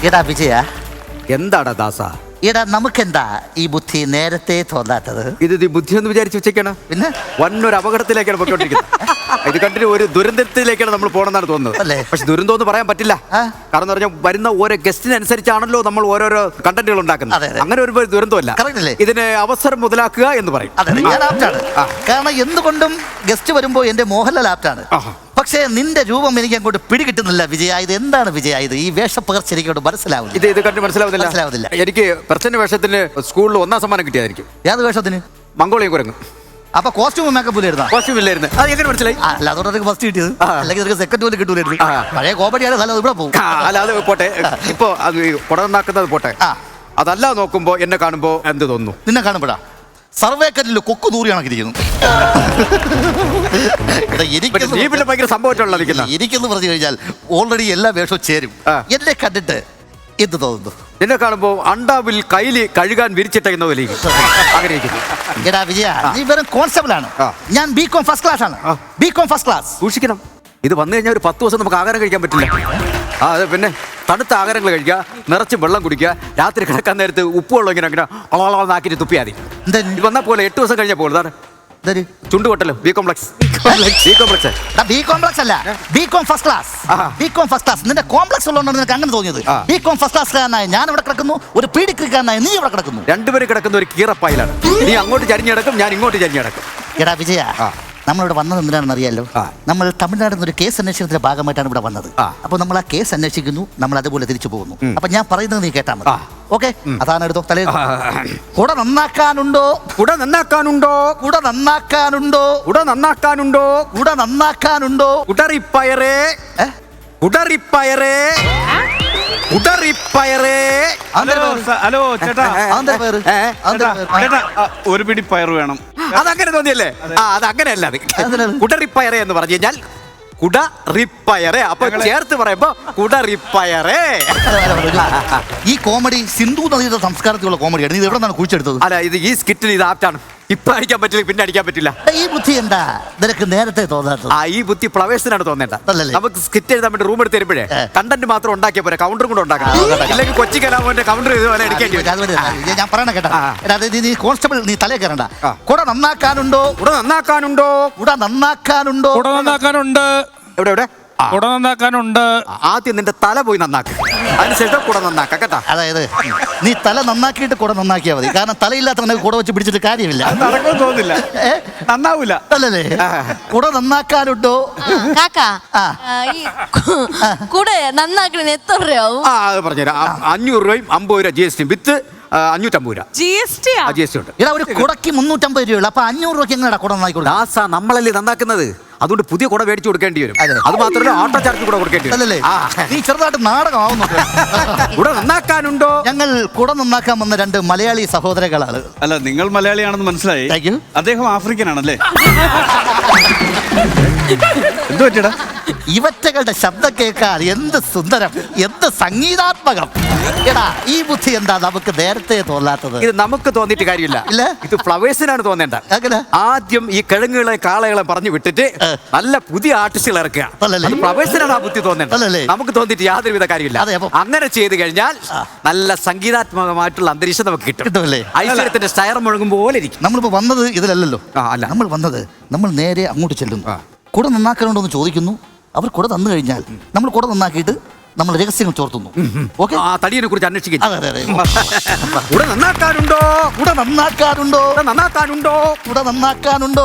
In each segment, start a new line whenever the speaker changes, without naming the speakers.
എടാ വിജയ,
എന്താടാ ദാസ?
എടാ നമുക്കെന്താ ഈ ബുദ്ധി നേരത്തെ തോന്നാത്തത്?
ഇത് ബുദ്ധി എന്ന് വിചാരിച്ച് വെച്ചേക്കാണ്.
പിന്നെ
വന്നൊരു അപകടത്തിലേക്കാണ് പോയിക്കൊണ്ടിരിക്കുന്നത്. ഇത് കണ്ടിട്ട് ഒരു ദുരന്തത്തിലേക്കാണ് നമ്മൾ പോകണമെന്നാണ് തോന്നുന്നത്. പക്ഷെ ദുരന്തം എന്ന് പറയാൻ പറ്റില്ല. കാരണം പറഞ്ഞാൽ വരുന്ന ഓരോ ഗസ്റ്റിനനുസരിച്ചാണല്ലോ നമ്മൾ ഓരോരോ കണ്ടന്റുകൾ ഉണ്ടാക്കുന്നത്. അങ്ങനെ ഒരു ദുരന്തമല്ല. ഇതിന് അവസരം മുതലാക്കുക എന്ന് പറയും.
ഞാൻ ആപ്റ്റാണ്. കാരണം എന്തുകൊണ്ടും ഗസ്റ്റ് വരുമ്പോൾ എന്റെ മോഹൻലാൽ ആപ്റ്റാണ്. പക്ഷേ നിന്റെ രൂപം എനിക്ക് അങ്ങോട്ട് പിടികിട്ടുന്നില്ല വിജയ. ഇത് എന്താണ് വിജയ? ഇത് ഈ വേഷപ്പകർച്ച എനിക്ക് മനസ്സിലാവില്ല.
ഇത് കണ്ട് മനസ്സിലാവുന്നില്ല. എനിക്ക് പ്രസന്റ് വേഷത്തിന് സ്കൂളിൽ 1ാം സമ്മാനം കിട്ടിയതായിരിക്കും.
ഏത് വേഷത്തിന്?
മംഗോളിയൻ കുരങ്ങ്.
അപ്പൊ കോസ്റ്റ്യൂം മേക്കപ്പ് ഇല്ലായിരുന്നു?
കോസ്റ്റ്യൂം ഇല്ലായിരുന്നു. അത് എങ്ങനെ മനസ്സിലായി?
അല്ല, അതുകൊണ്ട് ഫസ്റ്റ് കിട്ടിയത്. അല്ലെങ്കിൽ സെക്കൻഡ് പോലും കിട്ടൂലായിരുന്നു. പഴയ കോമഡിയാണ്. ഇവിടെ പോകും.
അല്ല, അത് പോട്ടെ. ഇപ്പൊ അത് കുടന്നാക്കുന്നത് പോട്ടെ. അതല്ല, നോക്കുമ്പോ എന്നെ കാണുമ്പോ എന്ത് തോന്നുന്നു?
നിന്നെ കാണുമ്പോഴാ സർവേക്കറ്റിൽ കൊക്കു ദൂരി കണക്കിരിക്കുന്നു.
ഭയങ്കര സംഭവം
എനിക്കെന്ന് പറഞ്ഞു കഴിഞ്ഞാൽ ഓൾറെഡി എല്ലാ വേഷവും ചേരും. എന്നെ കണ്ടിട്ട് എന്ത് തോന്നുന്നു?
എന്നെ കാണുമ്പോ അണ്ടാവിൽ കയ്യില് കഴുകാൻ വിരിച്ചിട്ടേക്കുന്ന പോലെ
എടാ വിജയ, നീ വെറും കോൺസ്റ്റബിൾ ആണ്. ഞാൻ ബികോം ഫസ്റ്റ് ക്ലാസ് ആണ്. B Com first class.
സൂക്ഷിക്കണം. ഇത് വന്നു കഴിഞ്ഞാൽ ഒരു 10 ദിവസം നമുക്ക് ആഹാരം കഴിക്കാൻ പറ്റില്ല. അതെ, പിന്നെ തണുത്ത ആഹാരങ്ങൾ കഴിക്കുക, നിറച്ച് വെള്ളം കുടിക്കുക, രാത്രി കിടക്കാൻ നേരത്ത് ഉപ്പുവെള്ളം ഇങ്ങനെ ആക്കിയിട്ട് തുപ്പിയാൽ മതി. ഇത് വന്നാൽ പോലെ 8 ദിവസം കഴിഞ്ഞാൽ പോകും. ചുണ്ടുകൊട്ടല്ലോ. ബി കോംപ്ലക്സ്
അല്ല, B Com first class. B Com first class. നിന്റെ കോംപ്ലക്സ് ഉള്ളതുകൊണ്ട് നിനക്ക് അങ്ങനെ തോന്നിയത്. ബികോം ഫസ്റ്റ് ക്ലാസ്സുകാരനായ ഞാൻ ഇവിടെ കിടക്കുന്നു, ഒരു പീഡിക്കാരനായ നീ ഇവിടെ കിടക്കുന്നു.
രണ്ടുപേരും കിടക്കുന്ന ഒരു കീറപ്പായിലാണ്. നീ അങ്ങോട്ട് ചരിഞ്ഞു കിടക്കും, ഞാൻ ഇങ്ങോട്ട് ചരിഞ്ഞു കിടക്കും.
എടാ വിജയ, നമ്മളിവിടെ വന്നത് എന്തിനാണെന്ന് അറിയാലോ? നമ്മൾ തമിഴ്നാട്ടിൽ നിന്ന് ഒരു കേസ് അന്വേഷണത്തിന്റെ ഭാഗമായിട്ടാണ് ഇവിടെ വന്നത്. അപ്പൊ നമ്മൾ ആ കേസ് അന്വേഷിക്കുന്നു, നമ്മൾ അതുപോലെ തിരിച്ചു പോകുന്നു. അപ്പൊ ഞാൻ പറയുന്നത് നീ കേട്ടാ മതി. ഓക്കെ? അതാണ് എടുത്തോ തലേ. കുട നന്നാക്കാനുണ്ടോ?
കുട നന്നാക്കാനുണ്ടോ?
കുട നന്നാക്കാനുണ്ടോ?
കുട നന്നാക്കാനുണ്ടോ?
കുട നന്നാക്കാനുണ്ടോ?
കുടറിപ്പയറേ, കുടറിപ്പയറേ, കുടറിപ്പയറേ.
ഹലോ ചേട്ടാ, ഒരു പിടി പയർ വേണം.
അതങ്ങനെ തോന്നിയല്ലേ? അതങ്ങനെയല്ല. അത് കുടറിപ്പയറേ എന്ന് പറഞ്ഞു കഴിഞ്ഞാൽ കുടറിപ്പയറേ. അപ്പൊ ചേർത്ത് പറയുമ്പോ കുടറിപ്പയറേ.
ഈ കോമഡി സിന്ധു നദിയുടെ സംസ്കാരത്തിലുള്ള കോമഡിയാണ്. ഇത് എവിടെ നിന്നാണ് കുഴിച്ചെടുത്തത്?
അല്ല, ഇത് ഈ സ്കിറ്റിന് ഇത് ആപ്റ്റാണ്. ഇപ്പൊ അടിക്കാൻ പറ്റില്ല, പിന്നെ അടിക്കാൻ പറ്റില്ല.
ഈ ബുദ്ധി എന്താ നിനക്ക് നേരത്തെ തോന്നാത്തത്?
ഈ ബുദ്ധി ഫ്ലവേഴ്സിനാണ് തോന്നേണ്ടത്. നമുക്ക് സ്കിറ്റ് എഴുതാൻ വേണ്ടി റൂം എടുത്ത് തരുമ്പോഴേ കണ്ടന്റ് മാത്രം ഉണ്ടാക്കിയ പോലെ കൗണ്ടറും കൂടെ ഉണ്ടാക്കണം. ഇല്ലെങ്കിൽ കൊച്ചി കലാമോന്റെ കൗണ്ടർ ഇതുപോലെ എടുക്കേണ്ടി വരും.
ഞാൻ പറയണ കേട്ടാ, നീ കോൺസ്റ്റബിൾ, നീ തലേ കയറണ്ട. കുട നന്നാക്കാനുണ്ടോ?
കുട നന്നാക്കാനുണ്ടോ?
കുട നന്നാക്കാനുണ്ടോ?
കുട നന്നാക്കാനുണ്ട്.
എവിടെ?
കുട നന്നാക്കാനുണ്ട്.
ആദ്യം നിന്റെ തല പോയി നന്നാക്ക, അതിനുശേഷം കുട നന്നാക്ക കേട്ടാ.
അതായത് നീ തല നന്നാക്കിയിട്ട് കുട നന്നാക്കിയാൽ മതി. കാരണം തലയില്ലാത്ത കുട വെച്ച് പിടിച്ചിട്ട് കാര്യമില്ല.
നടക്കുമെന്ന് തോന്നില്ല, നന്നാവൂല.
അല്ലല്ലേ? കുട നന്നാക്കാനുണ്ടോ?
കുട നന്നാക്കണ എത്ര രൂപ?
അത് പറഞ്ഞുതരാം. 500 രൂപയും 50 രൂപ GST വിത്ത് 550 രൂപ GST ഉണ്ട്.
ഇടാ, ഒരു കുടക്ക് 350 രൂപയുള്ളൂ. അപ്പൊ 500 രൂപയ്ക്ക് എങ്ങനെയാ കുട നന്നാക്കി കൊടുക്കുക?
ദാസാ, നമ്മളല്ലേ നന്നാക്കുന്നത്. അതുകൊണ്ട് പുതിയ കുട മേടിച്ചു കൊടുക്കേണ്ടി വരും. അത് മാത്രമല്ല, ഓട്ടോ ചാർജ് കൂടെ കൊടുക്കേണ്ടി വരും.
നീ ചെറുതായിട്ട് നാടകമാവുന്നു.
കുട നന്നാക്കാനുണ്ടോ?
ഞങ്ങൾ കുട നന്നാക്കാൻ വന്ന 2 മലയാളി സഹോദരങ്ങളാണ്.
അല്ല, നിങ്ങൾ മലയാളിയാണെന്ന് മനസ്സിലായി. അദ്ദേഹം ആഫ്രിക്കൻ ആണല്ലേ? എന്ത് പറ്റിയടാ?
ഇവറ്റകളുടെ ശബ്ദം കേൾക്കാൻ എന്ത് സുന്ദരം, എന്ത് സംഗീതാത്മകം. എടാ, ഈ ബുദ്ധി എന്താ നമുക്ക് നേരത്തെ തോന്നാത്തത്?
ഇത് നമുക്ക് തോന്നിയിട്ട് കാര്യമില്ല. ഇത് ഫ്ലവേഴ്സിനാണ് തോന്നേണ്ടത്. ആദ്യം ഈ കിഴങ്ങുകളെ കാളകളെ പറഞ്ഞു വിട്ടിട്ട് നല്ല പുതിയ ആർട്ടിസ്റ്റുകൾ ഇറക്കുക. ഫ്ലവേഴ്സിനാണ് ആ ബുദ്ധി തോന്നേണ്ടത്. നമുക്ക് തോന്നിയിട്ട് യാതൊരുവിധ കാര്യമില്ല. അങ്ങനെ ചെയ്ത് കഴിഞ്ഞാൽ നല്ല സംഗീതാത്മകമായിട്ടുള്ള അന്തരീക്ഷം നമുക്ക് കിട്ടും. ഐശ്വര്യത്തിന്റെ സ്റ്റയർ മുഴങ്ങും പോലെ ഇരിക്കും.
നമ്മളിപ്പോ വന്നത് ഇതിലല്ലോ.
അല്ല,
നമ്മൾ നേരെ അങ്ങോട്ട് ചെല്ലുന്നു. കുട നന്നാക്കാനുണ്ടോ എന്ന് ചോദിക്കുന്നു. അവർ കുട തന്നു കഴിഞ്ഞാൽ നമ്മൾ കുട നന്നാക്കിയിട്ട് നമ്മൾ രഹസ്യങ്ങൾ ചോർത്തുന്നു. ഓക്കെ?
തടിയെ കുറിച്ച് അന്വേഷിക്കും.
കുട നന്നാക്കാനുണ്ടോ? കുട നന്നാക്കാനുണ്ടോ?
നന്നാക്കാനുണ്ടോ?
കുട നന്നാക്കാനുണ്ടോ?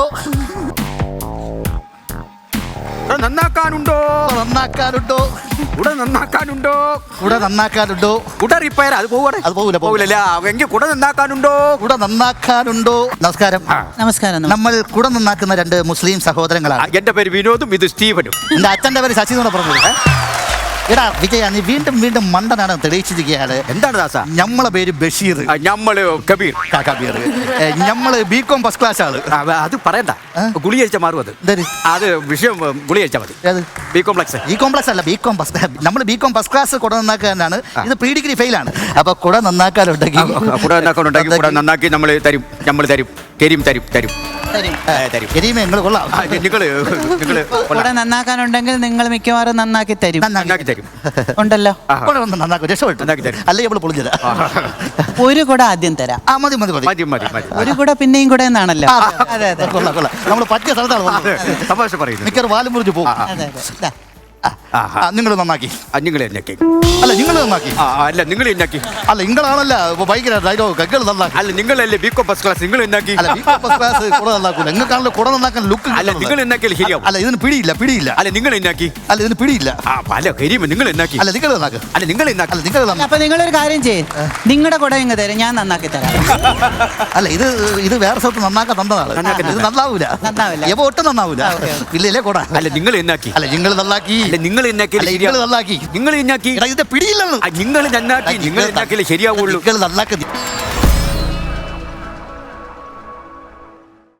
നന്നാക്കാനുണ്ടോ?
നന്നാക്കാനുണ്ടോ?
കുട നന്നാക്കാനുണ്ടോ?
കുട നന്നാക്കാനുണ്ടോ?
കുട റിപ്പയർ. അത് പോവില്ല. എങ്കിൽ കുട നന്നാക്കാനുണ്ടോ? കുട
നന്നാക്കാനുണ്ടോ? നമസ്കാരം.
നമസ്കാരം.
നമ്മൾ കുട നന്നാക്കുന്ന 2 മുസ്ലിം സഹോദരങ്ങളാണ്.
എന്റെ പേര് വിനോദും, ഇത് സ്റ്റീവനും.
എന്റെ അച്ഛന്റെ പേര് ശശി എന്നാണ് പറഞ്ഞത്. എടാ വിജയ, നീ വീണ്ടും വീണ്ടും മണ്ടനാണ് തെളിയിച്ചിരിക്കുകയാണ്.
എന്താണ് ദാസ?
നമ്മളെ പേര് ബഷീർ,
നമ്മള് കബീർ.
നമ്മള് ബികോം ഫസ്റ്റ് ക്ലാസ് ആണ്.
അത് പറയണ്ട, ഗുളി കഴിച്ചാൽ മാറും. അത് വിഷയം ഗുളി കഴിച്ചാൽ മതി. ബി കോംപ്ലക്സ്
അല്ല, ബികോം ഫസ്റ്റ്. നമ്മൾ ബികോം ഫസ്റ്റ് ക്ലാസ് കുട നന്നാക്കാനാണ്. ഇത് പ്രീ ഡിഗ്രി ഫെയിൽ ആണ്. അപ്പൊ കുട നന്നാക്കാനുണ്ടെങ്കിൽ
കുട നന്നാക്കി നമ്മൾ തരും. നമ്മൾ തരും. തരും.
തരും.
തരും.
കരീമ നിങ്ങൾ കൊള്ളാം.
നിങ്ങള്
കൂടെ നന്നാക്കാനുണ്ടെങ്കിൽ നിങ്ങൾ മിക്കവാറും നന്നാക്കി തരും.
നന്നാക്കി തരും.
ഉണ്ടല്ലോ.
കൂടെ വന്ന് നന്നാക്കും, രക്ഷപ്പെട്ടു.
നന്നാക്കി തരും.
അല്ലെങ്കിൽ നമ്മൾ പൊളിഞ്ഞത്.
ഒരു കുട ആദ്യം തരാം.
ആ മതി മതി മതി.
മതി മതി മതി.
ഒരു കുട പിന്നെയും കൂടെ എന്നാണല്ലോ. അതെ അതെ
കൊള്ളാം കൊള്ളാം. നമ്മൾ പറ്റിയ സ്ഥലത്താണ് വന്നത്.
തമാശ പറയുന്നു.
മിക്കവാറും വാലും മുറിച്ച് പോകും.
അതെ അതെ.
നിങ്ങൾ നന്നാക്കി.
നിങ്ങൾ എന്നാക്കി.
അല്ല നിങ്ങൾ നന്നാക്കി.
അല്ല നിങ്ങൾ എന്നാക്കി.
അല്ല നിങ്ങളാണല്ല ഭയങ്കര ഡയലോഗ് ഗഗ്കൾ നന്നാക്കി.
അല്ല നിങ്ങളല്ലേ ബികോ ഫസ്റ്റ് ക്ലാസ്. നിങ്ങൾ എന്നാക്കി.
അല്ല ഫസ്റ്റ് ക്ലാസ് കുട നന്നാക്കൂല. നിങ്ങൾക്കാണല്ലോ കുട നന്നാക്കാൻ ലുക്ക്.
അല്ല നിങ്ങൾ എന്നാക്കിയാൽ ശരിയാവും.
അല്ല ഇതിന് പിടിയില്ല.
അല്ല നിങ്ങൾ എന്നാക്കി.
അല്ല ഇതിന് പിടിയില്ല.
അല്ല കരിയുമ്പോ നിങ്ങൾ എന്നാക്കി.
അല്ല നിങ്ങൾ നന്നാക്ക്.
അല്ല നിങ്ങൾ എന്നാക്കി.
അല്ല നിങ്ങൾ നന്നാക്ക്.
അപ്പൊ നിങ്ങളൊരു കാര്യം ചെയ്യും, നിങ്ങളുടെ കുട ഇങ്ങ് തരും, ഞാൻ നന്നാക്കി തരാം.
അല്ല ഇത് വേറെ സ്ഥലത്ത് നന്നാക്കാൻ തന്നതാണ്. ഇത് നന്നാവൂല.
നന്നാവില്ല.
ഒട്ടും നന്നാവൂല. ഇല്ലേ കുട.
അല്ല നിങ്ങൾ എന്നാക്കി.
അല്ല നിങ്ങൾ നന്നാക്കി.
അല്ല നിങ്ങൾ എന്നാക്കി.
നിങ്ങൾ നന്നാക്കി.
നിങ്ങൾ എന്നാക്കി.
ഇതിന്റെ പിടിയില്ലെന്ന്.
നിങ്ങൾ നന്നാക്കി. നിങ്ങൾ എന്നാക്കിയാലേ ശരിയാവുള്ളൂ.
നിങ്ങൾ നന്നാക്കി.